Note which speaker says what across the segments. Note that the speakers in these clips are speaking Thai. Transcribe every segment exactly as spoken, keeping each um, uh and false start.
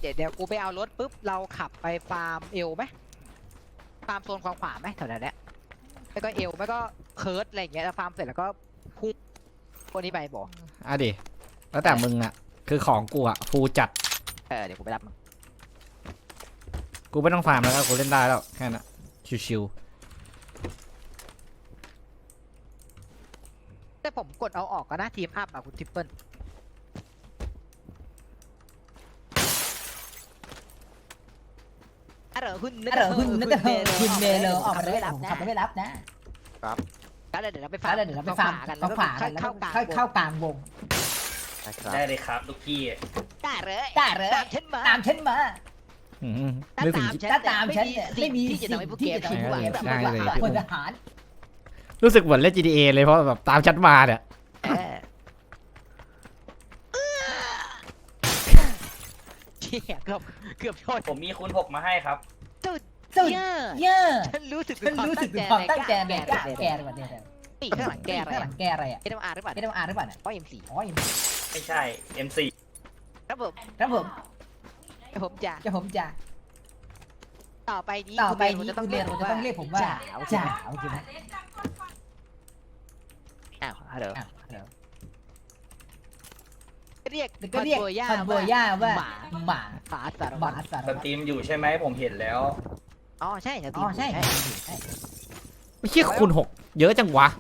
Speaker 1: เดี๋ยวเดี๋ยวกูไปเอารถปุ๊บเราขับไปฟาร์มเอลไหมฟาร์มโซนขวาขวาไหมแถวนั้นแหละแล้วก็เอลไม่ก็เคิร์ดอะไรอย่างเงี้ยแล้วฟาร์มเสร็จแล้วก็พุ่งคนนี้ไปบอก
Speaker 2: อ่ะดิแล้วแต่มึงอ่ะคือของกูอ่ะฟูจัด
Speaker 1: เออเดี๋ยวกูไปรับมึง
Speaker 2: กูไม่ต้องฟาร์มแล้วกูเล่นได้แล้วแค่นั้นชิว
Speaker 1: แต่ผมกดเอาออกก็นะทีมอัพอะคุณทิปเปิลอะเหรอคุณ
Speaker 3: อะเหรอคุณนึกว่าคุณเมลออกมาเลยผมขับไม่รับนะ
Speaker 1: แล้วเดี๋ยวเราไป
Speaker 3: ฟ้า
Speaker 1: ฟาร์ม
Speaker 3: เลยเดี๋ยวเราไปฟาร์ม
Speaker 1: กัน
Speaker 3: เขาขวากันแล้ว
Speaker 1: เข้ากลาง
Speaker 3: ค่อยเข้ากลางวง
Speaker 4: ได้เลยครับลูกพี่
Speaker 1: ได้เลย
Speaker 3: ได้เลย
Speaker 1: ตามฉันมา
Speaker 3: ตามฉันมา
Speaker 2: ๆอืมนึกถึง
Speaker 3: ถ้าตามฉันเนี่ยไม่มี
Speaker 1: ที่จะ
Speaker 3: สิ่
Speaker 1: ทำ
Speaker 3: ง
Speaker 1: ให้พวก
Speaker 3: ที่
Speaker 1: แก
Speaker 3: จะทำ
Speaker 1: ผิด
Speaker 3: ให้
Speaker 1: หวัง
Speaker 3: พวก
Speaker 1: แบบ
Speaker 3: แกผิดหวังพลทหาร
Speaker 2: รู้สึกเหมือนเล่น จี ที เอ เลยเพราะแบบตามชัดมาเนี่ย
Speaker 1: เออเชี่ยเกือบเกือบชน
Speaker 4: ผมมีคูณหกมาให้ครับ
Speaker 1: สุด
Speaker 3: สุด
Speaker 1: เยอะ
Speaker 3: เยอะ
Speaker 1: ฉันรู้สึก
Speaker 3: ฉันรู้สึกถึงความตั้งใจในการแกอะไรเนี่ย
Speaker 1: ปีข้างหลังแกอะไร
Speaker 3: ข้างหลังแกอะไรอ่ะ
Speaker 1: เอ็มอาร์หรือเปล่า
Speaker 3: ไม่ได้มาอ่านหรือเปล่าเนี่ย
Speaker 1: อ๋อเอ็มสี่
Speaker 3: อ๋อ
Speaker 4: ไม่ใช่ เอ็ม โฟร์
Speaker 1: ครับผม
Speaker 3: ครับผม
Speaker 1: ผมจะ
Speaker 3: จะผมจะ
Speaker 1: ต่อไปนี้
Speaker 3: ต่อไป
Speaker 1: คุณ
Speaker 3: นี้
Speaker 1: จะต้อ
Speaker 3: คุ
Speaker 1: ง
Speaker 3: ณเรียนจะต้องเรียกผมว่า
Speaker 1: จ๋าว
Speaker 3: จ๋าวใช่ไหม
Speaker 1: อ้าวฮัลโหล
Speaker 3: อ้าวเดี๋ยว
Speaker 1: เรียก
Speaker 3: ก็เรียก
Speaker 1: คอนโบย่า
Speaker 3: คอนโบย่าว่า
Speaker 1: หมา
Speaker 3: หมา
Speaker 1: หมาสาร
Speaker 3: ห
Speaker 1: วั
Speaker 3: มา
Speaker 1: ตร
Speaker 3: สาร
Speaker 4: ส
Speaker 3: วัตร
Speaker 4: ตรีมอยู่ใช่ไหมผมเห็นแล้ว
Speaker 1: อ๋อใช่สตรี
Speaker 3: อ๋อ
Speaker 1: ม
Speaker 3: ใช่
Speaker 1: ใช่
Speaker 3: ใช่
Speaker 2: ไม่เชี่ยคูณหกเยอะจังวะ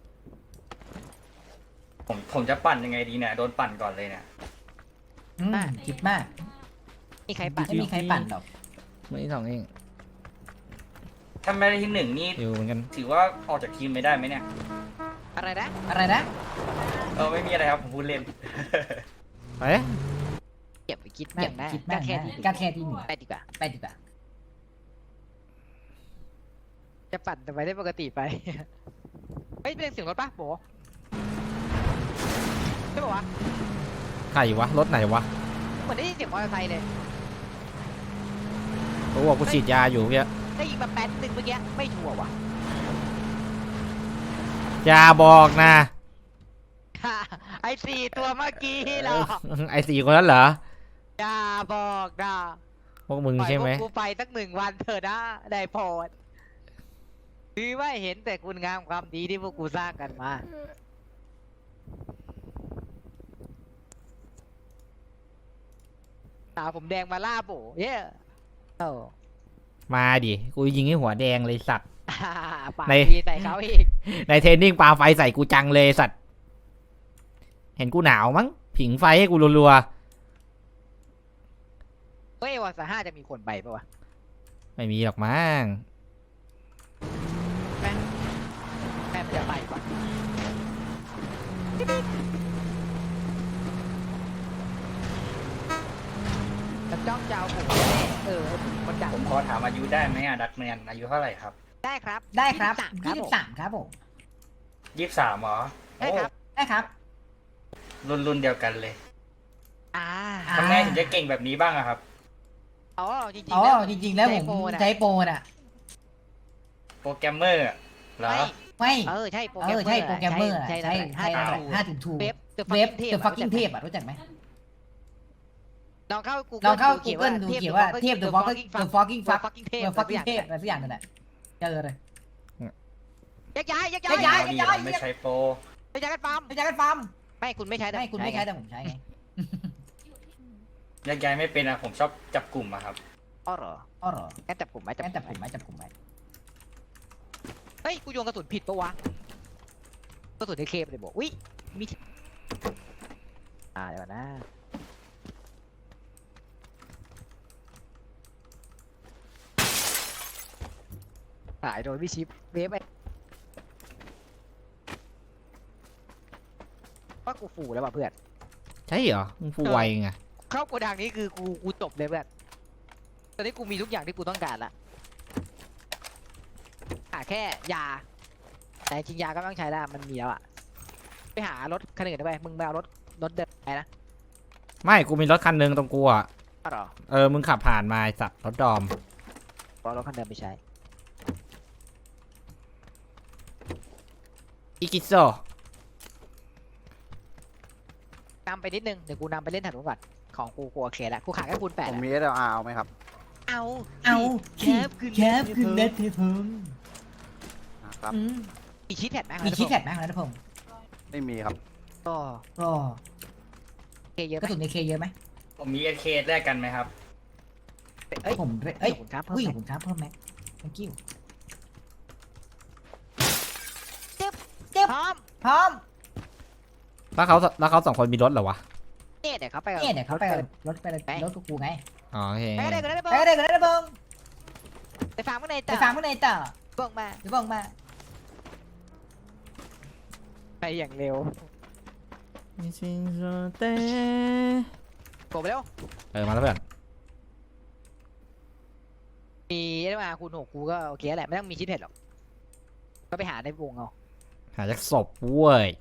Speaker 4: ผมผมจะปั่นยังไงดีเนี่ยโดนปั่นก่อนเลยเนี่ย
Speaker 3: อืมคิดมาก
Speaker 1: มีใครปัด
Speaker 3: ไม่มีใครปั่นหรอก
Speaker 2: ไม่สองเอง
Speaker 4: ถ้าไม่ได้ที่หนึ่งนี่
Speaker 2: อยู่เหมือนกัน
Speaker 4: ถือว่าออกจากทีมไม่ได้ไหมเนี่ย
Speaker 1: อะไรนะ
Speaker 3: อะไรนะ
Speaker 4: เออไม่มีอะไรครับผมพูดเล่น
Speaker 2: ไป
Speaker 1: เก็บไปคิด
Speaker 3: เก็
Speaker 1: แม่
Speaker 3: บ
Speaker 1: งนะ
Speaker 3: คิดมาก
Speaker 1: แค่
Speaker 3: นะ
Speaker 1: นี้
Speaker 3: ก็แค่ที่หนึ่ง
Speaker 1: ไปดีกว่า
Speaker 3: ไปดีกว่า
Speaker 1: จะปั่นแต่ไปได้ปกติไป เฮ้ยเป็นเสียงรถป่ะโบใช่ป่าวะ
Speaker 2: ใครวะรถไหนวะ
Speaker 1: เหมือนได้ยินเสียงมอเตอร์ไซค์เลย
Speaker 2: กูบอกกูฉีดยาอยู่เมื่อกี้
Speaker 1: ได้ยินมาแป๊ดหนึ่งเมื่อกี้ไม่ชัวร์ว่ะ
Speaker 2: อย่าบอกนะ
Speaker 1: ไอ้สี่ตัวเมื่อกี้เหรอ
Speaker 2: ไอสี่คนนั้นเหรอ
Speaker 1: อย่าบอกนะ
Speaker 2: พวกมึง
Speaker 1: ปล่อย
Speaker 2: ใช่ไหม
Speaker 1: พวกกูไปสักหนึ่งวันเถอะนะได้โพอดคือว่าเห็นแต่คุณงามความดีที่พวกกูสร้างกันมาสาวผมแดงมาล่าโบเย้โอ้
Speaker 2: มาดิกูยิงให้หัวแดงเลยสัตว์
Speaker 1: ปาก
Speaker 2: ใน
Speaker 1: ดีใส่เขาอีก
Speaker 2: ในเทรนนิ่งปาไฟใส่กูจังเลยสัตว์เห็นกูหนาวมั้งผิงไฟให้กูรัว
Speaker 1: เฮ้ยวันสห้าจะมีคนไปปะวะ
Speaker 2: ๆไม่มีหรอกมั้ง
Speaker 1: แม่แม่มันจะไปก่อนจะจ้องจะเอาผมแน่เออคนดัง
Speaker 4: ผมขอถามอายุได้ไหมอ่ะดักแมนอายุเท่าไหร่ครับ
Speaker 1: ได้ครับ
Speaker 3: ได้ครับ
Speaker 1: ยี่
Speaker 3: ยี่
Speaker 1: สิ
Speaker 3: สิ
Speaker 1: บบ สาม
Speaker 3: สามครับผม
Speaker 4: ยี่สิบสามเหรอ
Speaker 1: ได้ครับ
Speaker 3: ได้ครับ
Speaker 4: รุ่นรุ่นเดียวกันเลย
Speaker 1: อ่า
Speaker 3: อ่า
Speaker 4: ทำไงถึงจะเก่งแบบนี้บ้างอะครับ
Speaker 1: อ๋อจริง
Speaker 3: อ๋
Speaker 1: ๆ
Speaker 3: อ
Speaker 1: แล้ว
Speaker 3: จริงๆแล้วผม
Speaker 1: ใช้โปรน่ะ
Speaker 3: ใช้โปรน่ะ
Speaker 4: โปรแกรมเมอร์อะเหรอ
Speaker 1: ไม่
Speaker 3: ไม่
Speaker 1: เออใช่โปร
Speaker 3: เอ
Speaker 1: แกรม
Speaker 3: อใช่โปรแกรมเมอร์อะ
Speaker 1: ใช่
Speaker 3: ใช่
Speaker 1: ใช่
Speaker 3: ใช่
Speaker 1: ห้า
Speaker 3: ห้า
Speaker 1: จุ
Speaker 3: จุ
Speaker 1: ด
Speaker 3: ดทู
Speaker 1: เว็บ
Speaker 3: เว็บ
Speaker 1: เท
Speaker 3: เดอะฟักกิ้งเทพอ่ะรู้จักไหม
Speaker 1: ลองเข้า Google
Speaker 3: ลองเข้า
Speaker 1: ดู
Speaker 3: Google ดูเขียนว่าเทพเดอะฟักกิ้งเดอะฟักกิ้งฟัก
Speaker 1: fucking เทพ
Speaker 3: เดอะฟักกิ้งเทพอะไรสักอย่างนั่นแหละเจอเลย
Speaker 1: ยักย้ายยัก
Speaker 3: ย้
Speaker 1: ย้าย
Speaker 3: าย
Speaker 4: ดีเราไม่ใช้โปร
Speaker 1: ยักย้ายกันปั๊ม
Speaker 3: ไม่ใช่กันฟาร์ม
Speaker 1: ไม่คุณไม่ใช้แต่
Speaker 3: ไม่คุณไม่ใช้แต่ผมใช้ไง
Speaker 4: แยกย้ายไม่เป็นอะผมชอบจับกลุ่มอะครับ
Speaker 1: อ๋อเหรอ
Speaker 3: อ๋อเหรอ
Speaker 1: งั้นจับผมไหม
Speaker 3: งั้นจับ
Speaker 1: ผ
Speaker 3: ผม มไหมจับผมไหม
Speaker 1: เฮ้ยกูโยนกระสุนผิดปะวะกระสุนในเคมเลยบอกอุ้ยมีที่อ่าเดี๋ยวนะหายโดนวิชิปเวฟไปว่ากูฟูแล้วว่ะเพื่อน
Speaker 2: ใช่เหรอมึงฟูไวไง
Speaker 1: เข้าโกดังนี้คือกูกูจบเลยเพื่อนตอนนี้กูมีทุกอย่างที่กูต้องการละหาแค่ยาแต่จริงยาก็ไม่ต้องใช้แล้วมันมีแล้วอะไปหารถคันอื่นได้ไหมมึงมาเอารถรถเดินไปนะ
Speaker 2: ไม่กูมีรถคันหนึงตรงกูอ่ะ
Speaker 1: อ้าวเหรอ
Speaker 2: เออมึงขับผ่านมาไอ้สัตว์รถดอม
Speaker 1: เอารถคันเดิมไปใช้
Speaker 2: อิกิโซ
Speaker 1: นำไปนิดนึงเดี๋ยวกูนำไปเล่นถนนก่อนของกูกูโอเคแล้วกูขาดแค่คูณแปด
Speaker 5: ผม
Speaker 1: อะ
Speaker 5: มี เอส แอล อาร์ เอาไหมครับ
Speaker 1: เอา
Speaker 3: เอา
Speaker 1: แคบขึ้น
Speaker 3: แคบขึ้นเน็ตเทพง
Speaker 5: นะครับ
Speaker 1: มีชีทแท็บไหม
Speaker 3: มีคิดแท็กไหมครับนัทพงศ์
Speaker 5: ไม่มีครับ
Speaker 1: ก็
Speaker 3: ก็
Speaker 1: เคเยอะ
Speaker 3: ก
Speaker 1: ไหม
Speaker 3: ระสุนในเคเยอะไหม
Speaker 4: ผมมีเอเคแลกกันไหมครับ
Speaker 1: เอ้ย
Speaker 3: ผมเอ้ย
Speaker 1: ขอบคุณครับเพิ่ม
Speaker 3: อุ้ย
Speaker 1: ไหม
Speaker 3: ขอบคุณครับเพิ่มไหม thank you
Speaker 1: พร้อม
Speaker 3: พร้อม
Speaker 2: แล้วเขาแล้วเขาสองคนมีรถเหรอวะ
Speaker 1: เนี่ยเดี๋ยวเขาไป
Speaker 3: เนี่ยเดี๋ยวเขาไปรถไปรถกับกูไง
Speaker 2: อ๋อโอเค
Speaker 1: ไปได้ก็ได้
Speaker 3: ไป
Speaker 1: ไป
Speaker 3: ก็ได้ก็ได้นัทพงศ์
Speaker 1: ไปฟังข้างใน
Speaker 3: ไป
Speaker 1: ต่อ
Speaker 3: ฟังข้างในต่อ
Speaker 1: บอกมา
Speaker 3: เดี๋ยวบอกมา
Speaker 1: ไปอย่างเร็วกดไปเร็ว
Speaker 2: เออมาแล้วเพื่อน
Speaker 1: มีได้มาคูณหกกูก็โอเคแหละไม่ต้องมีชีทแท็บหรอกก็ไปหาในวงเอา
Speaker 2: หาจากศพเว้ย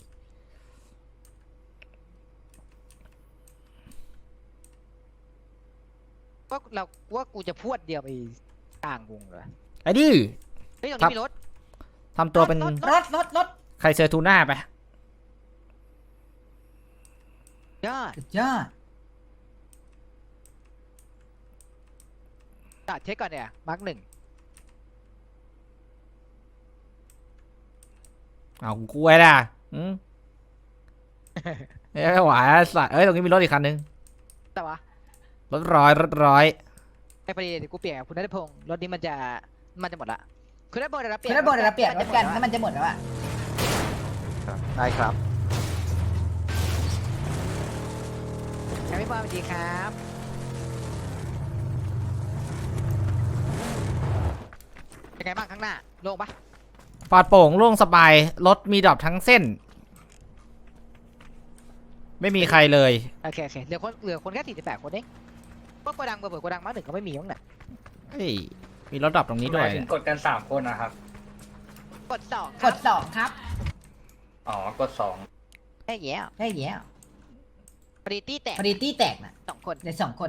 Speaker 1: ว่าเราว่ากูจะพวดเดียวไปกลางวงเลย
Speaker 2: ไอ้ดิ
Speaker 1: เฮ้ยตรงนี้มีรถ
Speaker 2: ทำตัวเป็น
Speaker 1: รถ
Speaker 3: รถรถรถ
Speaker 2: ใครเซอร์ทูน่าไป
Speaker 1: ยอด
Speaker 3: สุดยอด
Speaker 1: จอดเช็คก่อนเนี่ยมาร์กหนึ่ง
Speaker 2: เอากูกล้วยล่ะอืมเอ้ยไม่ไหวอะสัตว์เอ้ยตรงนี้มีรถอีกคันนึง
Speaker 1: แต่วะ
Speaker 2: รถร้อยรถร้อย
Speaker 1: ไอ้ประเดี๋ยวกูเปลี่ยนกับคุณนัทพงศ์รถนี้มันจะมันจะหมดละคุณนัทพงศ์เดี๋ยวเราเปลี่
Speaker 3: คื
Speaker 1: ย
Speaker 3: อน ถ้าบอกเดี๋ยวเราเปลี่ยนรถกันแล้วมันจะหมดแล้วอะ
Speaker 5: ครับ ได้ครับ
Speaker 1: ครับพี่บอลสวัสดีครับเป็นไงบ้างข้างหน้าโล่งปะ
Speaker 2: ปลอดโปร่งโล่งสบายรถมีดรอปทั้งเส้น ไม่มีใครเลย
Speaker 1: โอเคโอเคเหลือคนเหลือคนแค่สี่สิบแปดคนเองพวกโกดังเปิดโกดังมาร์กหนึ่งก็ไม่มีมั้งน่ะ
Speaker 2: เฮ้ยมีรถดรอปตรงนี้
Speaker 4: ห
Speaker 2: ด้วย
Speaker 4: มายถึงกดกันสามคนนะครับ
Speaker 1: กดสอง
Speaker 3: กดสองครับ
Speaker 4: อ๋อกดสอง
Speaker 1: ไอ้แย่
Speaker 3: ได้เหี้ย
Speaker 1: ปริตี้แตก
Speaker 3: พอดีตี้แตกน่ะ
Speaker 1: สองคน
Speaker 3: ในสองคน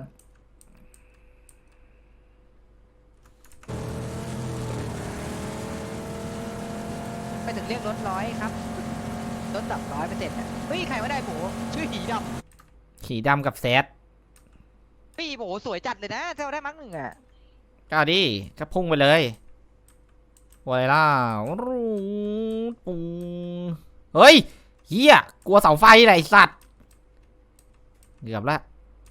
Speaker 1: ไปถึงเรียกรถร้อยครับรถดับร้อยเปอร์เซ็นต์อ่ะเฮ้ยใครไม่ได้โบชื่อหีด
Speaker 2: ขี่ดำกับแซด
Speaker 1: ำพี่โบสวยจัดเลยนะถ้าเราได้มาร์กหนึ่งอ่ะ
Speaker 2: ก็เอาดิก็พุ่งไปเลยไวล่ารูดปุงเฮ้ยเฮียกลัวเสาไฟอะไรสัตว์เกือบละ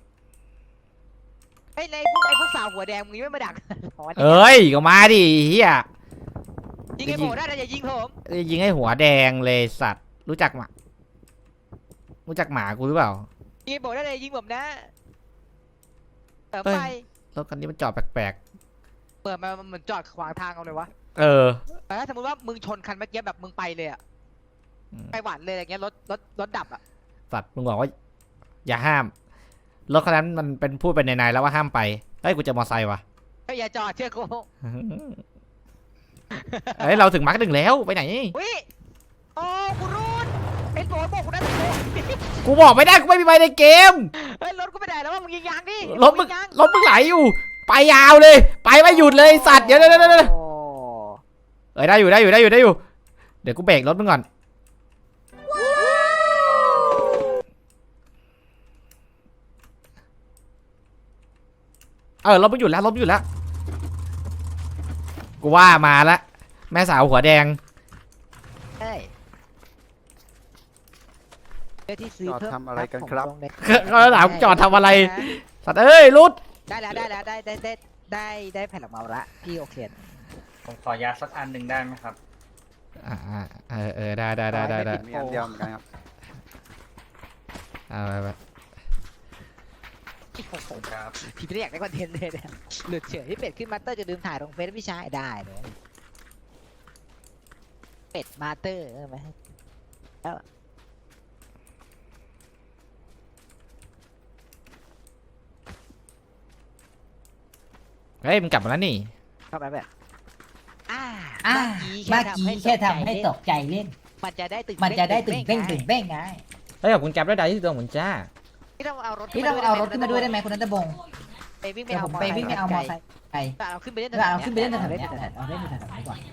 Speaker 1: ไอ้ยไอ้พวกไอ้พวกสาวหัวแดงมึงยังไม่มาดัก อ๋อ
Speaker 2: เอ้ยก็มาดิเฮีย
Speaker 1: ยิงไอ้โบได้แต่อย่ายิงผม
Speaker 2: ยิงให้หัวแดงเลยสัตว์รู้จักหมารู้จักหมากูหรือเปล่า
Speaker 1: ยิงไอ้โบได้แต่อย่ายิงผมนะเปิด
Speaker 2: เอ้ย
Speaker 1: ไฟ
Speaker 2: รถคันนี้มันจอดแปลก
Speaker 1: เปิดมามันเหมือนจอดขวางทางเอาเลยวะ
Speaker 2: ๆเออ
Speaker 1: แต่ถ้าสมมติว่ามึงชนคันเมื่อกี้แบบมึงไปเลยอะ
Speaker 2: อืม
Speaker 1: ไปหวานเลยอะไรเงี้ยรถรถรถดับอะ
Speaker 2: สัตว์มึงบอกว่า อย่าห้ามรถคันนั้นมันเป็นพูดไปในๆแล้วว่าห้ามไปเฮ้ยกูจะมอไซค์ว่ะ
Speaker 1: เฮ้ยอย่าจอดเชื่อกู
Speaker 2: เฮ้ยเราถึงมาร์คหนึ่งแล้วไปไหน
Speaker 1: วิโอ้กูรูนไอ้โบบอกกูได้แต่โบ
Speaker 2: กูบอกไม่ได้กูไม่มีใบในเกม
Speaker 1: เฮ้ยรถกูไปไหนแล้ววะมึงยิงยางดิ
Speaker 2: รถมึง
Speaker 1: ยิยาง
Speaker 2: รถมึงไหลอยู่ ไปยาวเลย ไปไม่หยุดเลยสัตว์เดี๋ยวเดี๋ยวเดี๋ยวเดี๋ยว
Speaker 1: โอ้
Speaker 2: เอ้ยได้อยู่ได้อยู่ได้อยู่ได้อยู่เดี๋ยวกูเบรกรถมึงก่อนเออรถมึงหยุดแล้วรถมึงหยุดแล้วกูว่ามาละแม่สาวหัวแดง
Speaker 1: ใช่เพื่อที่ซื้อ
Speaker 5: จอด
Speaker 1: เพิ่ม
Speaker 5: ทำอะไรกันครับ
Speaker 1: ผมลงใน
Speaker 2: เขาถามจอดทำอะไรสัตว์เอ้ยรุด
Speaker 1: ได้แล้วได้แล้วได้ได้ได้ได้ได้แผ่นหลังเมาละพี่โอเค
Speaker 4: ผมขอยาสักอันหนึ่งได้ไหมครับ
Speaker 2: อ่าอ่าเออเออได้ได้ได้ได้ได้
Speaker 5: มีอันเดียวเหมือนกันครับ
Speaker 2: เอาไปไป
Speaker 1: พี่โอ้โห
Speaker 4: ครับ
Speaker 1: พี่ไม่ได้อยากได้คอนเทนต์เลยเนี่ยหลุดเฉยที่เป็ดขึ้นมาสเตอร์จะลืมถ่ายลงเฟซพี่ชายได้เลยเป็ดมาสเตอร์ใช่ไหม
Speaker 2: เฮ้ยมึงกลับมาแล้วนี่
Speaker 1: เข้าไปแบบอ่า
Speaker 3: อ่า
Speaker 1: เมื่
Speaker 3: เมื่
Speaker 1: อ
Speaker 3: อ
Speaker 1: กี้
Speaker 3: กี้
Speaker 1: แค่
Speaker 3: แค่
Speaker 1: ทำ
Speaker 3: ทำ
Speaker 1: ให้
Speaker 3: ให้
Speaker 1: ต
Speaker 3: ต
Speaker 1: ก
Speaker 3: กใจเล่น
Speaker 1: มันจะได้ตื่น
Speaker 3: มันจะได้ตื่นเต้น
Speaker 1: ไง
Speaker 3: ตื่นเต้นไง
Speaker 2: เฮ้ยขอบคุณแก๊ปด้วยดาวที่ตัวเหมือนจ้า
Speaker 1: พี่ต้องเอารถ
Speaker 3: พี่ต้องเอารถขึ้นมาด้วยได้ไหมคุณนัทบงศ์
Speaker 1: ไปวิ่งไป
Speaker 3: เดี๋ยว
Speaker 1: เอา
Speaker 3: ผมไปวิ่งไปเอามอไซค์ไป
Speaker 1: เอาขึ้นไปเล่น
Speaker 3: เดี๋ยวเอาขึ้นไปเล่นแถว
Speaker 1: เล่
Speaker 3: ๆ
Speaker 1: น
Speaker 3: นี้เอาเล่นแถวๆนี้ก่อน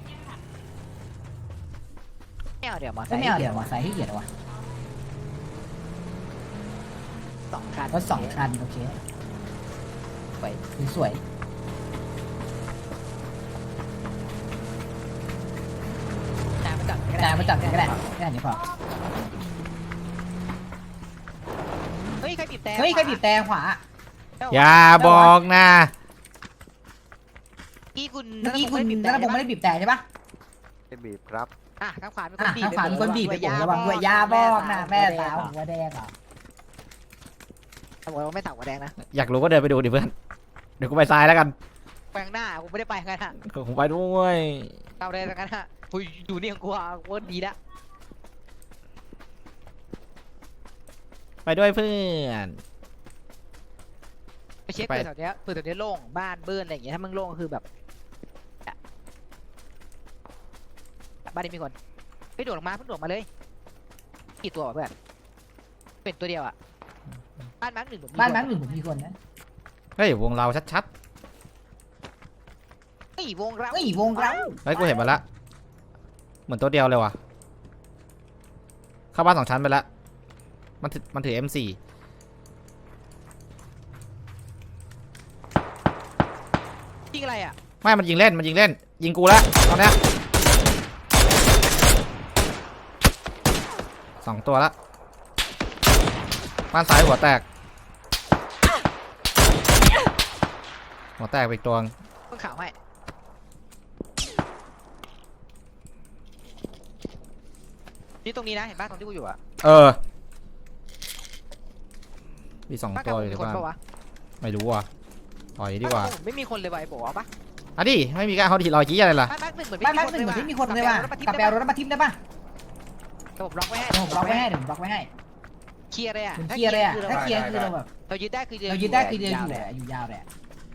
Speaker 1: ไม่เอาเดี๋ยวมอไซ
Speaker 3: ไม่
Speaker 1: ค์
Speaker 3: ไม่เอาเดี๋ยวมอไซค์ที่เกียจวะ
Speaker 1: สองคัน
Speaker 3: รถสองคันโอเค
Speaker 1: ไป
Speaker 3: สวย
Speaker 1: จ่ายมาจัด
Speaker 3: ๆแต่มาจับกันก็ได้แค่นี้พอ
Speaker 1: เฮ้ยใครบีบแต่
Speaker 3: เฮ้ยใครบีบแต่ขวา
Speaker 2: อย่าบอกนะ
Speaker 1: กี้คุณ
Speaker 3: เมื่อกี้คุณ
Speaker 1: บีบ
Speaker 3: นั
Speaker 1: แต่
Speaker 3: ทพงศ์ไม่ได้บีบแต่ใช่ปะ
Speaker 5: ไม่บีบครับ
Speaker 1: อ่ะข้างขวามีค
Speaker 3: อ่ะ
Speaker 1: นบีบ
Speaker 3: ทางขวามีคนบีบไปผมระวังด้วยยาบอกนะแม่สาวหัวแดงอ่ะ
Speaker 1: ผมบอกว่าไม่ต่ำกว่าแดงนะ
Speaker 2: อยากรู้ก็เดินไปดูดิเพื่อน เดี๋ยวกูไปซ้ายแล้วกัน
Speaker 1: แปลงหน้าผมไม่ได้ไปงั้นฮะ
Speaker 2: ผมไปด้วย
Speaker 1: เอาเลยงั้นฮะคุยอยู่นี่ของกูอ่ะกูว่าดีละ
Speaker 2: ไปด้วยเพื่อน
Speaker 1: ไปเช็ค
Speaker 2: ไป
Speaker 1: เผื่อแถวเนี้ยเผื่อแถวเนี้ยโล่งบ้านเบิ้ลอะไรอย่างเงี้ยถ้ามึงโล่งก็คือแบบอ่ะบ้านนี้มีคนไปโดดลงมาเพิ่งโดดมาเลยกี่ตัววะเพื่อนเป็นตัวเดียวอ่ะบ้านมาร์คหนึ่งผมมี
Speaker 3: บ้าน
Speaker 1: ค
Speaker 3: แบงค์หนึ่งผมมีคนนะ
Speaker 2: เฮ้ยวงเราชัด
Speaker 1: เฮ้ยวงเรา
Speaker 3: เฮ้ยวงเรา
Speaker 2: ๆ เฮ้ยกูเห็นมาละ เหมือนตัวเดียวเลยว่ะ เข้าบ้านสองชั้นไปละ มันถือมันถือ เอ็ม โฟร์
Speaker 1: ยิงอะไรอ่ะ
Speaker 2: ไม่มันยิงเล่น มันยิงเล่น ยิงกูแล้วตอนเนี้ยสองตัวละบ้านซ้ายหัวแตก หัวแตกไปอีกตัว
Speaker 1: เพิ่งข่าวให้นี่ตรงนี้นะเห็นบ้านตรงที่กูอยู่อ่ะ
Speaker 2: เออ มีสอง
Speaker 1: บ้าน
Speaker 2: ตั
Speaker 1: เก่าว
Speaker 2: อยู่
Speaker 1: มี
Speaker 2: ใน
Speaker 1: คน
Speaker 2: บ้าน
Speaker 1: ปะวะ
Speaker 2: ไม่รู้ว่ะปล่อยดีกว่า
Speaker 1: บ้นเก่ผมไม่มีคนเลยว่ะไอ้โบเอาปะ
Speaker 2: อ่ะดิ ไม่มีการเขาถีรอยจี้อะไรล่ะ
Speaker 1: บ้านมาร์คหนึ่งเหมือน
Speaker 3: บ้านแบงค์หนึ่งเหมือนที่มีคนเลยว่ะกลับไปเอารถมาทิมได้ปะ
Speaker 1: ระบบล็อกไว้ให้
Speaker 3: เดี๋ยวผมบล็อกไว้ให้เดี๋ยวผมบล็อกไว้ให้
Speaker 1: เคลียร์เลยอ่ะ
Speaker 3: ผมเคลียร์เลยอ่ะถ้าเคลียร์คือเราแบบ
Speaker 1: เรายึดได้คือ
Speaker 3: เรายึดได้คือเดินอยู่
Speaker 1: เล
Speaker 3: แห
Speaker 1: ย
Speaker 3: ละอยู่ยาวแหละ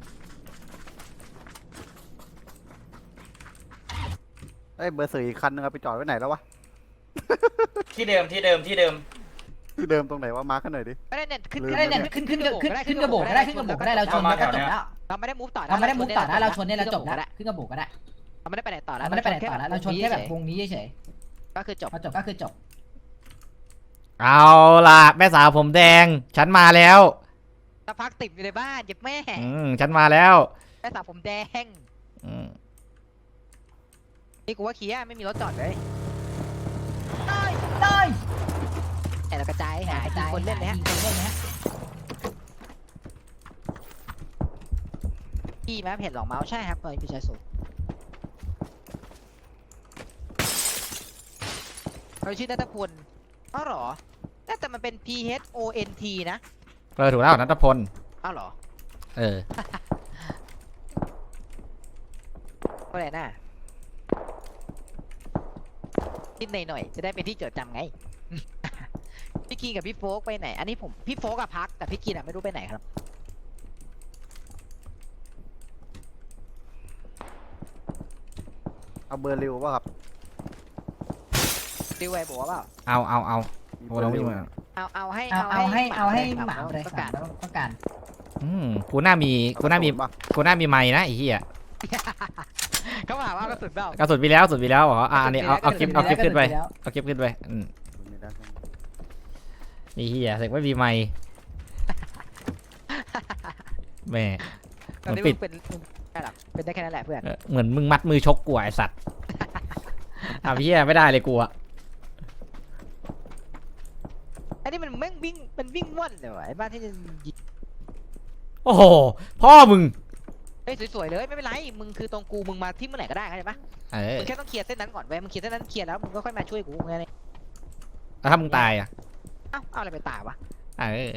Speaker 5: เอ้ยเบอร์สี่อีกคันนึงเอาไปจอดไว้ไหนแล้ววะ
Speaker 4: ที่เดิมที่เดิมที่เดิม
Speaker 5: ที่เดิมตรงไหนวะมาร์คกันหน่อยดิ
Speaker 1: ไม่ได้เน็ตขึ้น
Speaker 5: ลืม
Speaker 3: ไม่ได้เนี่ยขึ้นขึ้นขึ้นขึ้นกระโบกก็ได้ขึ้นกระโบกก็ได้เราชนแล้วก็จบแล้ว
Speaker 1: เราไม่ได้มูฟต่อ
Speaker 3: เราไม่ได้มุกต่อนะเราชนเนี่ยเราจบแล้วขึ้นกระโบกก็ได้
Speaker 1: เราไม่ได้ไปไหนต่อแล้ว
Speaker 3: เราไม่ได้ไปไหนต่อแล้วเราชนแค่แบบวงนี้เฉย
Speaker 1: ก็คือจบ
Speaker 3: ๆพอจบก็คือจบ
Speaker 2: เอาล่ะ แม่สาวผมแดง ฉันมาแล้ว
Speaker 1: สักพักติดอยู่ในบ้านเจ็บแม่
Speaker 2: อืมฉันมาแล้ว
Speaker 1: แม่สาวผมแดง
Speaker 2: อืม
Speaker 1: นี่กูว่าเคียไม่มีรถจอดเลย
Speaker 3: ได้ได้
Speaker 1: แต่เรากระจายหายิงคนเล่นเลยฮะ
Speaker 3: คนเล่นนะ
Speaker 1: พี่แม่เพจหลอกเมาส์ใช่ครับเปิดพี่ชายสุดเราชื่อนัทพลอ้าวเหรอน่าแต่มันเป็น P H O N T นะ
Speaker 2: เออถูกแล้วนัทพล
Speaker 1: อ้าวเหรอ
Speaker 2: เออ
Speaker 1: ก็เลยน่ะคิดหน่อยๆจะได้เป็นที่จดจำไง พี่กีกับพี่โฟกไปไหน อันนี้ผมพี่โฟกกับพักแต่พี่กีน่ะไม่รู้ไปไหนครับ
Speaker 5: เอาเบอร์ริวป่ะครับ
Speaker 1: ดิวไอ้บอกว่าเปล่า
Speaker 2: เอาเอาเอา
Speaker 5: มี
Speaker 2: โอ้
Speaker 5: เบอ
Speaker 2: เรา
Speaker 5: ร์
Speaker 2: ไม่
Speaker 5: ริว
Speaker 2: มา
Speaker 1: เอาเอาให้
Speaker 3: เอาเอาให้เอาให้หมา
Speaker 1: ป
Speaker 3: เลย
Speaker 1: ระ
Speaker 3: ค่ะ
Speaker 1: กาศ
Speaker 3: แล้วต้องการ
Speaker 2: อืมกูน่ามี กูน่ามี
Speaker 5: ป่ะ
Speaker 2: กูน่ามีไม้นะไอ้เหี้ย
Speaker 1: เขาถามว่ากระสุนเปล่าก
Speaker 2: ระสุนไปแล้วกระสุนไปแล้วเหรออ่ะอันนี้เอาเอาคลิป เอาคลิปขึ้นไป
Speaker 3: แล้ว
Speaker 2: เอาคลิปขึ้นไป อืม
Speaker 5: ไม่ได้ครับ
Speaker 2: ไอ้เหี้ยเสกไม่มีไม้แม่
Speaker 1: ตอนนี้
Speaker 2: ปิ
Speaker 1: มึ
Speaker 2: ด
Speaker 1: งเป็นมึงได้หรอกเป็นได้แค่นั้นแหละเพื่อน
Speaker 2: เออเหมือนมึงมัดมือชกกูอะไอสัตว์ อ่ะพี่เหี้ยไม่ได้เลยกูอะ
Speaker 1: อันนี้มันแม่งวิ่งมันวิ่งว่อนเลยวะไอ้บ้านที่จะยิง
Speaker 2: โอ้โห พ่อมึง
Speaker 1: เฮ้ยสวยๆเลยไม่เป็นไรมึงคือตรงกูมึงมาที่เมื่อไหร่ก็ได้เข้าใจปะ
Speaker 2: เออ
Speaker 1: มึงแค่ต้องเคลียร์เส้นนั้นก่อนเว้ยมึงเคลียร์เส้นนั้นเคลียร์แล้วมึงก็ค่อยมาช่วยกูไงเนี่ย
Speaker 2: แล้วถ้ามึงตายอะ
Speaker 1: เอ้าเอาอะไรไปตายวะ
Speaker 2: เออ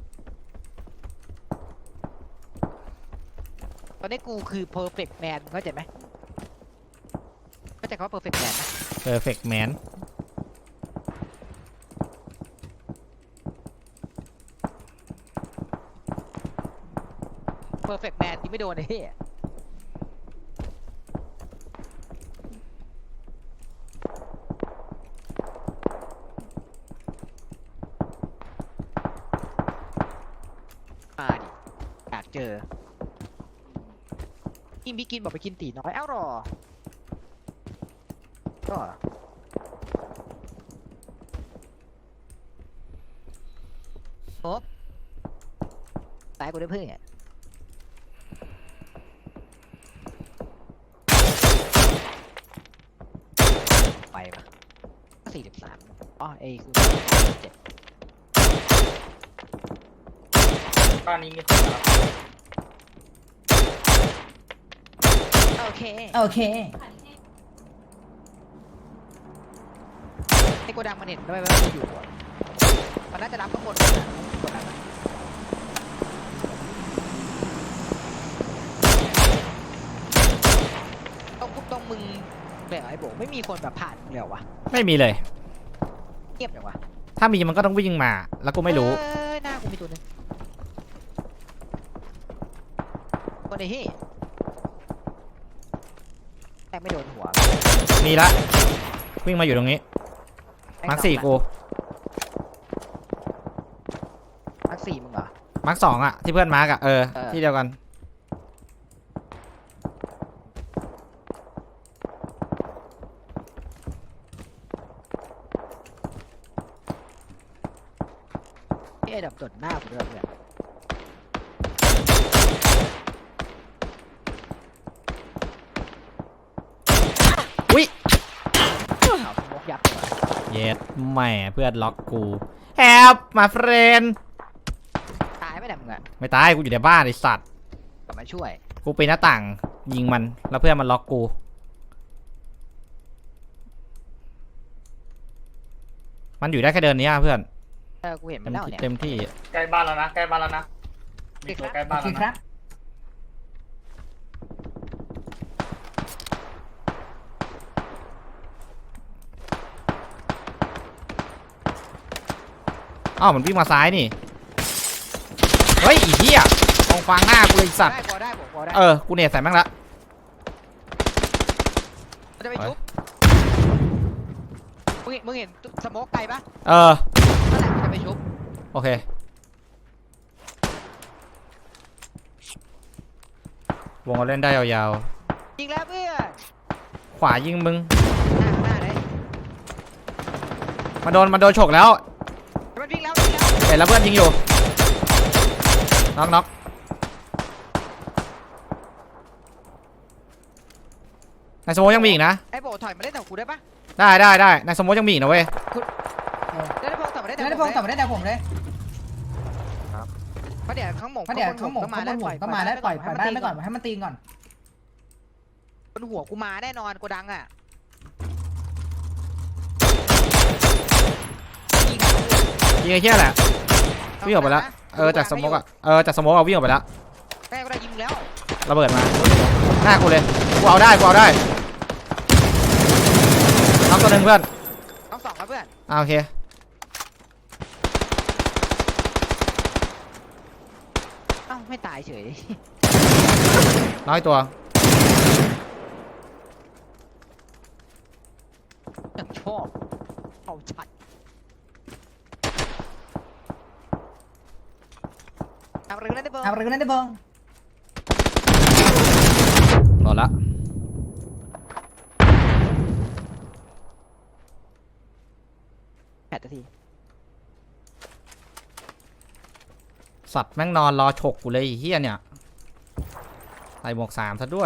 Speaker 1: ตอนนี้กูคือ perfect man เข้าใจไหมเข้าใจคำว่า perfect man ไหม
Speaker 2: perfect man
Speaker 1: perfect man ที่ไม่โดนไอ้เหี้ยมาดิอยากเจอกินพี่กินบอกไปกินตีน้อยเอ้าหรอก็โอ๊บตายกูได้เพื่อนเนี่ยไปปะสี่สิบสามอ๋อเอคือเจ็ด
Speaker 4: บ้านนี้มีคนนะครับ
Speaker 1: โอเค
Speaker 3: โอเค
Speaker 1: ไอ้โกดังมันเห็นด้วยว่ากูอยู่อะมันน่าจะรับข้างบนนะโกดังอะต้องตรงมึงแบบไอ้โบไม่มีคนแบบผ่านมึงเลยเหรอวะ
Speaker 2: ไม่มีเลย
Speaker 1: เงียบจังวะ
Speaker 2: ถ้ามีมันก็ต้องวิ่งมา แล้วกูไม่รู้
Speaker 1: เอ้ยหน้ากูมีตัวหนึงคนไอ้ที่แต่ไม่โดนหัว
Speaker 2: มีละ วิ่งมาอยู่ตรงนี้ มาร์คสี่กู
Speaker 1: มาร์คสี่มึงเหรอ
Speaker 2: มาร์คสองอะที่เพื่อนมาร์กอะเออ
Speaker 1: เออ
Speaker 2: ที่เดียวกัน
Speaker 1: ที่ไอ้ดับตดหน้ากูด้วยเนี่ย
Speaker 2: อุ๊ย
Speaker 1: เอาสโมกยับเลยว่ะ
Speaker 2: เย็ดแหม่เพื่อนล็อกกูแฮปมาเฟรน
Speaker 1: ตายไม่ได้มึงอะ
Speaker 2: ไม่ตายกูอยู่ในบ้านไอสัตว์
Speaker 1: กลับมาช่วย
Speaker 2: กูปีนหน้าต่างยิงมันแล้วเพื่อนมันล็อกกู มันอยู่ได้แค่เดินเนี้ยเพื่อน
Speaker 1: เออกูเห็นมั
Speaker 2: เต็
Speaker 1: น
Speaker 2: ม
Speaker 1: แล้ว
Speaker 2: ที่
Speaker 1: เนี่ย
Speaker 2: เต็มที่
Speaker 4: ใกล้บ้านแล้วนะใกล้บ้านแล้วนะมีตัวใกล้
Speaker 3: โอ
Speaker 4: บ้าน
Speaker 3: เค
Speaker 4: แล้ว
Speaker 3: ครั
Speaker 4: นะ
Speaker 3: บ
Speaker 2: อ้าวมันวิ่งมาซ้ายนี่ เฮ้ยอีเหี้ยมองฟางหน้ากูเลยไอ้สัตว์
Speaker 1: ได้พอได้บอกพอได้
Speaker 2: เออ กูเนตใส่แม่งละ
Speaker 1: มันจะไปชุบมึงเห็นมึงเห็นสโมกไกลปะ
Speaker 2: เออ
Speaker 1: นั่นแหละมันจะไปชุบ
Speaker 2: โอเค วงเราเล่นได้ยาว
Speaker 1: ยิงแล้วเพื่อน
Speaker 2: ๆ ขวายิงมึง
Speaker 1: หน้าหน้าเลย
Speaker 2: มาโดนมาโดนฉกแล้ว
Speaker 1: มันวิ่งแล้ววิ่งแล้ว
Speaker 2: เห็นแล้วเพื่อนยิงอยู่ น็อกน็อกในสโมยังมีอีกนะ
Speaker 1: ไอ้โบถอยมาเล่นกับกูได้ปะ
Speaker 2: ได้ได้ได้ในสโมยังมีอีกนะเว้ย
Speaker 1: ได้ได้พงถอยมาเล่น
Speaker 3: ไม่ได้พงกลับมาได้แต่ผมเลย
Speaker 1: เพราะเดี๋ยวข้างหมง
Speaker 3: เพราะเดี๋ยวเขาหมกเขาบนหัวก็มาแล้วปล่อยปล่อยบ้านไปก่อนให้มันตีก่อน
Speaker 1: บนหัวกูมาแน่นอนกูดังอ่ะยิง
Speaker 2: ยิงไอ้เหี้ยแหละ วิ่งออกไปแล้ว เออจากสโมกอะเออจากสโมกเอาวิ่งออกไปแล้ว
Speaker 1: แม่ก็ได้ยิงแล้ว
Speaker 2: ระเบิดมา หน้ากูเลย กูเอาได้กูเอาได้น็อกตัวหนึ่งเพื่อน
Speaker 1: น้องสองครับเพื่อน
Speaker 2: อ่าโอเค
Speaker 1: เอ้าไม่ตายเฉย
Speaker 2: น้อยตัว
Speaker 1: อย่างชอบเอาชัดเอาเรื่องนั้นได้เบิ้ง
Speaker 3: เอาเรื่องนั้นได้เบิ้ง
Speaker 2: หมดละ
Speaker 1: แปดนาที
Speaker 2: สัตว์แม่งนอนรอฉกกูเลยไอ้เฮียเนี่ยใส่หมวกสามซะด้วย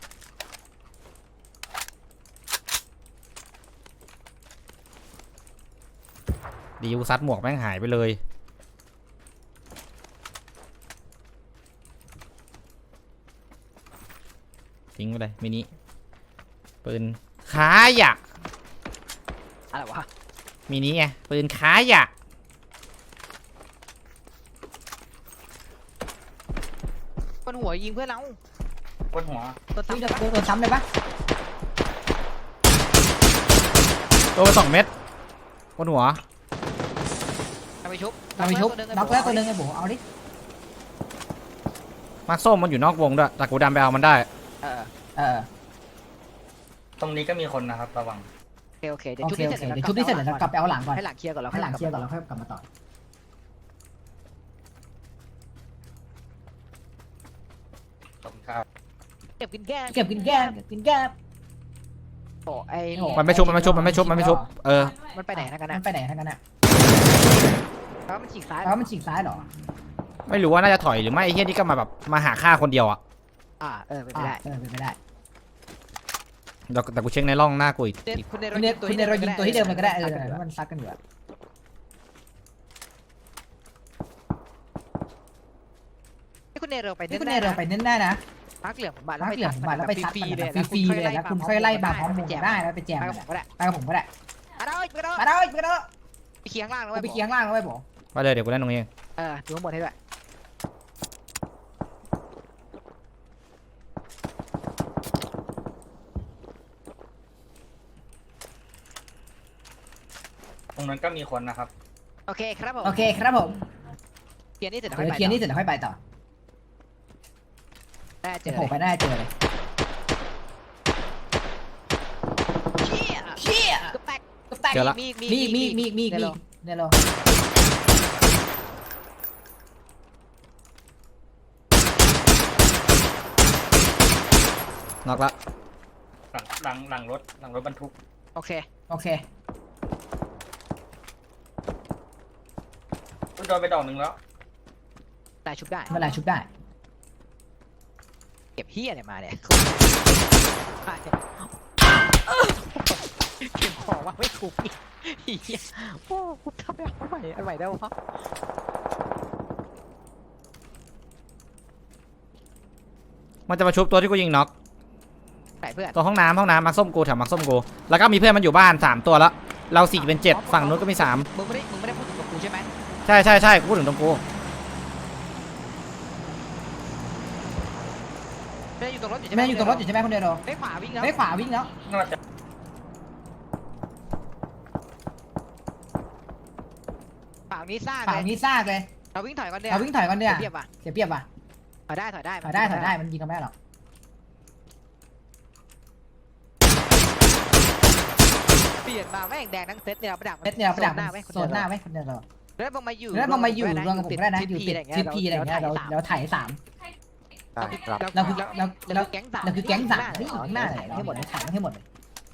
Speaker 2: ดีกูซัดหมวกแม่งหายไปเลย ทิ้งไปเลยมินิปืนค้ายะ
Speaker 1: อะไรวะ
Speaker 2: มินิไงปืนค้ายะ
Speaker 1: บนหัวยิงเพื่อนเรา
Speaker 4: บนหัว
Speaker 1: ตัว
Speaker 3: วิ่ง
Speaker 1: ซ้ำ
Speaker 3: โดนโดนซ้ำเลยปะ
Speaker 2: โดนไปสองเม็ดบนหัว
Speaker 1: เอาไปชุบ
Speaker 3: เราไปชุบน็อกแล้วตัวนึงไอ้โบเอาดิ
Speaker 2: มาร์คส้มมันอยู่นอกวงด้วยแต่กูดันไปเอามันได้
Speaker 1: เออ
Speaker 3: เออ
Speaker 4: ตรงนี้ก็มีคนนะครับระวัง
Speaker 1: โอเคโอเคเดี๋ยว
Speaker 3: โอ
Speaker 1: ชุบ
Speaker 3: เค
Speaker 1: นี่
Speaker 3: โอ
Speaker 1: เสร็จ
Speaker 3: เค
Speaker 1: แล้ว
Speaker 3: เดี๋ยวชุบนี่เสร็จเดี๋ยวเรากลับไปเอาหลังก่อน
Speaker 1: ให้หลังเคลียร์ก่อนเรา
Speaker 3: ให้หลังเคลียร์ก่อนเราค่อยกลับมาต่อ
Speaker 4: ขอบคุณครับ
Speaker 1: เก็บกินแก้ม
Speaker 3: เก็บกินแก้มเก็บกินแก้ม
Speaker 1: โอ้ไอ้
Speaker 3: โอ้
Speaker 2: มันไม่ชุบมันไม่ชุบมันไม่ชุบมันไม่ชุบเออ
Speaker 1: มันไปไหนนะกัน
Speaker 3: มั
Speaker 1: นะ
Speaker 3: นไปไหนทั้งนั้นอ่ะ
Speaker 1: แล้วมันฉีกซ้าย
Speaker 3: แล้วมันฉีกซ้ายเหรอ
Speaker 2: ไม่รู้ว่าน่าจะถอยหรือไม่ไอ้เฮียนี่ก็มาแบบมาหาฆ่าคนเดียวอ่ะ
Speaker 1: อ่าเออเป็นไป
Speaker 3: อ่า
Speaker 1: ได้
Speaker 3: เออเป็นไปได้
Speaker 2: แต่แต่กูเช็คในร่องหน้ากูอีก
Speaker 1: เนคุณเน
Speaker 3: คุณเนคุณเนเรายิงตัวที่เดิมเลยก็ได้เออถ้ามันซักกันอยู่อะ
Speaker 1: ให้คุณเนเราไป
Speaker 3: นี่คุณเนเราไปเน้นได้นะ
Speaker 1: พักเหลืองผมมาแล้ว
Speaker 3: พัก
Speaker 1: ไป
Speaker 3: เหลืองมาแล้วไปซัด
Speaker 1: ฟรี
Speaker 3: กัน
Speaker 1: ๆ
Speaker 3: แบบฟรีๆเลยแล้วคุณค่อยไล่บาพร้อมมุงได้แล้วไปแจม
Speaker 1: ไป
Speaker 3: กั
Speaker 1: กับ
Speaker 3: น
Speaker 1: ผมก็ได้
Speaker 3: ไปกับผมก็ได้
Speaker 1: มาได้ไปได้
Speaker 3: มาได้ไปได้
Speaker 1: ไปเคียงล่างแล้ว
Speaker 3: ไปเคียงล่างแล้วไปบอก
Speaker 2: ไปเลยเดี๋ยวกูเล่นตรงนี้เอง
Speaker 1: เออดูข้างบนให้ด้วย
Speaker 4: ตรงนั้นก็มีคนนะครับ
Speaker 1: โอเคครับผม
Speaker 3: โอเคครับผม
Speaker 1: เคลียร์นี่เสร็จแล้ว
Speaker 3: เดี๋
Speaker 1: ค่อย
Speaker 3: ยว
Speaker 1: ไป
Speaker 3: เคลียร์นี่เสร็จแล้วค่อยไปต่อ
Speaker 1: ได้เจอ
Speaker 3: โผล่ไปหน้าเจอเลย
Speaker 1: เชี่ย
Speaker 3: เชี่ย
Speaker 1: ก็แตก
Speaker 3: ก็แตก
Speaker 2: เจอละ
Speaker 1: มีมี
Speaker 3: มีมีมีมี
Speaker 1: เดี๋ยว
Speaker 3: มี
Speaker 1: เรา
Speaker 3: เนี่ยเรา
Speaker 2: น็อกละ
Speaker 4: หลังหลังหลังรถหลังรถบรรทุก
Speaker 1: โอเค
Speaker 3: โอเค
Speaker 4: โดนไปดอกหนึ่งแล้ว
Speaker 1: ได้ชุบได้
Speaker 3: เมื่อไหรชุบได้
Speaker 1: เก็บเฮียเนี่ยมาเนี่ยเก็บของว่าไม่ถูกอีกเฮียโอ้กูทำไม่เอาใหม่อันใหม่ได้วะ
Speaker 2: มันจะมาชุบตัวที่กูยิงน็อก
Speaker 1: ไหนเพื่อน
Speaker 2: ตัวห้องน้ำห้องน้ำมักส้มกูแถวมักส้มกูแล้วก็มีเพื่อนมันอยู่บ้านสามตัวแล้วเราสี่เป็นเจ็ดฝั่งนู้นก็มีสาม
Speaker 1: มึงไม่ได้มึงไม่ได้พูดถึงกับกูใช่ไหม
Speaker 2: ใช่ใช่ใช่กูพูดถึงตรงกู
Speaker 1: ไม่ได้อยู่ตรงรถอยู่ใช่ไหม
Speaker 3: แม่อยู่ตรงรถอยู่ใช่ไหมคนเดียวเรา
Speaker 1: ไม่ขวาวิ่งแล้ว
Speaker 3: ไม่ขวาวิ่งแล้ว
Speaker 4: น่าจะ
Speaker 1: ฝั่งนี้ซ่า
Speaker 3: ฝั่ง
Speaker 1: เลย
Speaker 3: นี้ซากเลย
Speaker 1: เราวิ่งถอยก่อนเดียว
Speaker 3: เราวิ่งถอยก่อนเดียว
Speaker 1: เทียบว่ะ
Speaker 3: เสียเปรียบว่ะ
Speaker 1: ถอยได้ถอยได้
Speaker 3: ถอยได้ถอยได้มันยิงกันไม่ได้หรอก
Speaker 1: เปลี่ยนมาแม่งแดงทั้งเซตเนี่ยเราประดับ
Speaker 3: เม็ดเนี่ยประดับ
Speaker 1: หน้าไหม
Speaker 3: โซนหน้าไหมคนเดียวเรา
Speaker 1: แล้วมึงมาอยู่
Speaker 3: แล้วมันมาอยู่รวมกับผมก็ได้นะอยู่ติด
Speaker 1: อะไร
Speaker 3: ทิศพีอะไรอย่างเงี้ยเราเราถ่ายสาม
Speaker 5: ได้ครับ
Speaker 3: เราคือเรา
Speaker 1: เรา
Speaker 3: เรา
Speaker 1: แก๊งสาม
Speaker 3: เราคือแก๊งสามนี่อยู่ข้างหน้าเลยให้หมดเลยถ่ายให้หมดเลย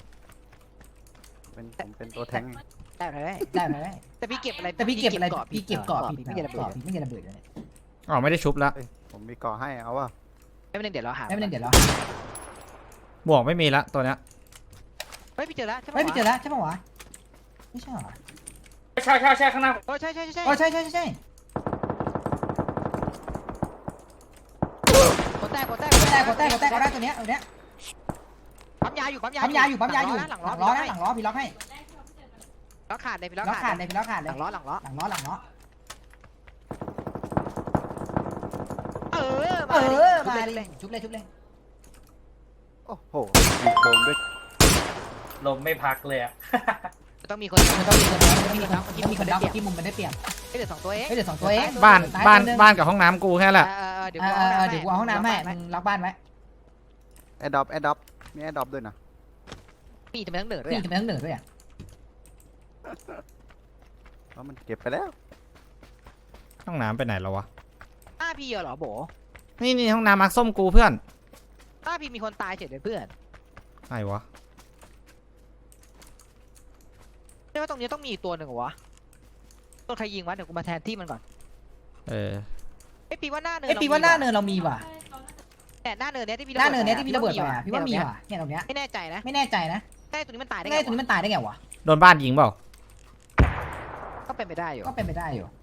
Speaker 5: เป็นผมเป็นตัวแทง
Speaker 1: ได้ไหม
Speaker 3: ได้ไหม
Speaker 1: แต่พี่เก็บอะไร
Speaker 3: แต่พี่เก็บอะไร
Speaker 1: กาะ
Speaker 3: พี่เก็บเกาะผิด
Speaker 1: ไม่เก็บระ
Speaker 3: เกาะ
Speaker 1: เบิด
Speaker 3: ผิดไม่เก็บระเบิดเลย
Speaker 2: อ๋อไม่ได้ชุบละ
Speaker 5: เอ้ยผมมีเกาะให้เอาว่า
Speaker 1: ไม่เป็นไรเดี๋ยวเราหา
Speaker 3: ไม่เป็นไรเดี๋ยวเรา
Speaker 2: บวกไม่มีละตัวเนี้ย
Speaker 1: เฮ้ยพี่เจอแล้วใช่ไหม
Speaker 3: ไม่พี่เจอแล้วใช่ปะวะไม่ใช่หรอ
Speaker 4: ใช่ใช่ใช่ข้างหน้า
Speaker 1: โอ้ใช่ใช่ใช่
Speaker 3: อ๋อใช่ใช่ใช่ใช่
Speaker 1: กดแตกกดแตก
Speaker 3: กดแตกกดแตกกดแตกกดได้ตัวเนี้ยตัวเนี้ย
Speaker 1: ปั๊มยาอยู่ปั๊มยา
Speaker 3: ปั๊มยาอยู่ปั๊มยาอยู่
Speaker 1: ห
Speaker 3: ห
Speaker 1: ลั
Speaker 3: ลั
Speaker 1: ง
Speaker 3: ง
Speaker 1: ล้
Speaker 3: ล้
Speaker 1: อ
Speaker 3: อ
Speaker 1: ห
Speaker 3: นะ
Speaker 1: ลัง
Speaker 3: ห
Speaker 1: ล้อ
Speaker 3: ลังล้อพี่ล็อกให้
Speaker 1: ล้อขาดเลยพี่ล้อ
Speaker 3: ล็อก
Speaker 1: ขา
Speaker 3: ขา
Speaker 1: ด
Speaker 3: ดเลยพี่ล็อกขาด
Speaker 1: ห
Speaker 3: เลย
Speaker 1: ลังล้อหลังล้อ
Speaker 3: หลังล้อหลังล้อ
Speaker 1: เออ
Speaker 3: เออ
Speaker 1: มา
Speaker 3: มา
Speaker 1: เล
Speaker 3: เลย ยชุบเลยชุบเลย
Speaker 5: โอ้โหมีโดนด้วย
Speaker 4: ลมไม่พักเลยอะ
Speaker 1: ต้องมีคน
Speaker 3: มันต้องมีคนมันต้องมีคนต้องมีคนดับที่มุมมันได้เปรียบ
Speaker 1: ไม่เหลือสองตัวเอง
Speaker 3: เฮ้ยเดี๋ยวสองตัวเอง
Speaker 2: บ้าน
Speaker 3: ตาย
Speaker 2: บ้าน
Speaker 3: ตัวหนึ่ง
Speaker 2: บ้านกับห้องน้ำกูแค่นั้นแหละ
Speaker 1: เออเดี๋ยว
Speaker 3: เอ
Speaker 1: กู
Speaker 3: อ
Speaker 1: เอา
Speaker 3: เออเดี๋ยวกูเอาห้องน้ำให้มึงล็อกบ้านไว้
Speaker 5: แอดดอปแอดดอปมีแอดดอปด้วยนะ
Speaker 1: ปีทำไมต้องเหนือด้วย
Speaker 3: พี่จะไปทั้งเหนือด้วยอ่ะ
Speaker 5: แล้วมันเก็บไปแล้ว
Speaker 2: ห้องน้ำไปไหนแล้ววะ
Speaker 1: อ้าพี่เหรอโบ
Speaker 2: นี่นี่ห้องน้ำมักส้มกูเพื่อน
Speaker 1: อ้าพี่มีคนตายเฉยเลยเพื่อน
Speaker 2: ใครวะ
Speaker 1: ไม่ว่าตรงนี้ต้องมีอีกตัวหนึ่งเหรอวะต้นใครยิงวะเดี๋ยวกูมาแทนที่มันก่อน
Speaker 2: เออ
Speaker 1: ไอ้ปีว่าหน้าเนิน
Speaker 3: ไอ้ปีว่าหน้าเนินเรามีว่ะ
Speaker 1: แต่หน้าเนินเนี้ยที่พี่
Speaker 3: หน้าเนินเนี้ยที่พี่ระเบิดไปอ่ะพี่ว่ามีว่ะเนี่ยตรงเนี้ย
Speaker 1: ไม่แน่ใจนะ
Speaker 3: ไม่แน่ใจนะ
Speaker 1: ใช่ตัวนี้มันตายได้
Speaker 3: ไอ้ตัวนี้มันตายได้ไงวะ
Speaker 2: โดนบ้านยิงเปล่า
Speaker 1: ก็เป็นไปได้อยู่
Speaker 3: ก็เป็นไปได้อยู่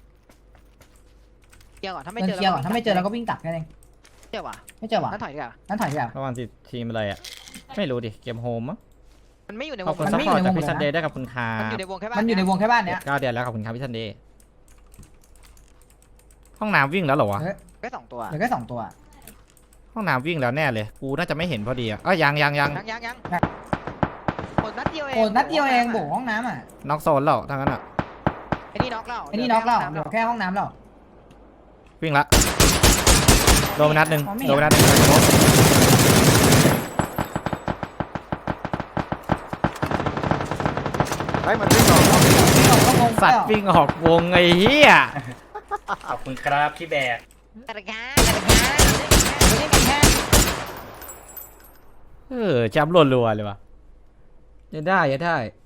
Speaker 1: เคลียร์ก่อนถ้าไม่
Speaker 3: เดิน
Speaker 1: เจอ
Speaker 3: เคลียร์ก่อนถ้าไม่เจอเราก็วิ่งกลับแค่นั้นเอง
Speaker 1: เจอว่ะ
Speaker 3: ไม่เจอว่ะ
Speaker 1: นั่นถอยดีกว่า
Speaker 3: นั่นถอยดีกว่า
Speaker 2: ระหว่างทีทีมอะไรอ่ะไม่รู้ดิเกมโฮมมั้ง
Speaker 1: มันไม่อยู่ในว
Speaker 2: ขอบ
Speaker 1: ง
Speaker 2: คุณ
Speaker 3: มัน
Speaker 2: ซัพ
Speaker 3: ไม่
Speaker 2: พอร์ต
Speaker 3: อยู่ใน
Speaker 2: จาก
Speaker 3: วง
Speaker 2: พี่
Speaker 3: เลยนะ
Speaker 2: ซันเดย์ด้วยขอบคุณครั
Speaker 1: มัน
Speaker 2: บ
Speaker 1: อยู่ในวงแค่บ้าน
Speaker 3: มันอยู่ในวงแค่บ้านเนี้ย
Speaker 2: เก้าเดือนแล้วขอบคุณครับพี่ซันเดย์ห้องน้ำวิ่งแล้วเหรอวะ
Speaker 1: แค่สองตัว
Speaker 3: เหลือแค่สองตัว
Speaker 2: ห้องน้ำวิ่งแล้วแน่เลยกูน่าจะไม่เห็นพอดีอ่ะเอ้ยยังยังยัง
Speaker 1: ยังยังยังกดนัดเดียวเอง
Speaker 3: โอ้นัดเดียวเองโบห้องน้ำอ่ะ
Speaker 2: น็อกโซนแล้วทั้งนั้นอ่ะ
Speaker 1: ไอ้นี่น็อกแล้ว
Speaker 3: ไอ้นี่น็อกแล้วเหลือแค่ห้องน้ำแล้ว
Speaker 2: วิ่งละโดนไปนัดหนึ่ง
Speaker 3: อ๋อไม่เห็น
Speaker 2: โดนไปนัดหนึ่ง
Speaker 5: ไอ้ยมันวิ่งออกนอก
Speaker 3: ก็งง
Speaker 2: สัตว์วิ่งออกวงไอ้เหี้ย
Speaker 4: ขอบคุณครับพี่แบก
Speaker 1: กระกาศกระกา
Speaker 3: ไม่ได้กันแค่
Speaker 2: เออจำรัวๆเลยวะยังได้ยังได้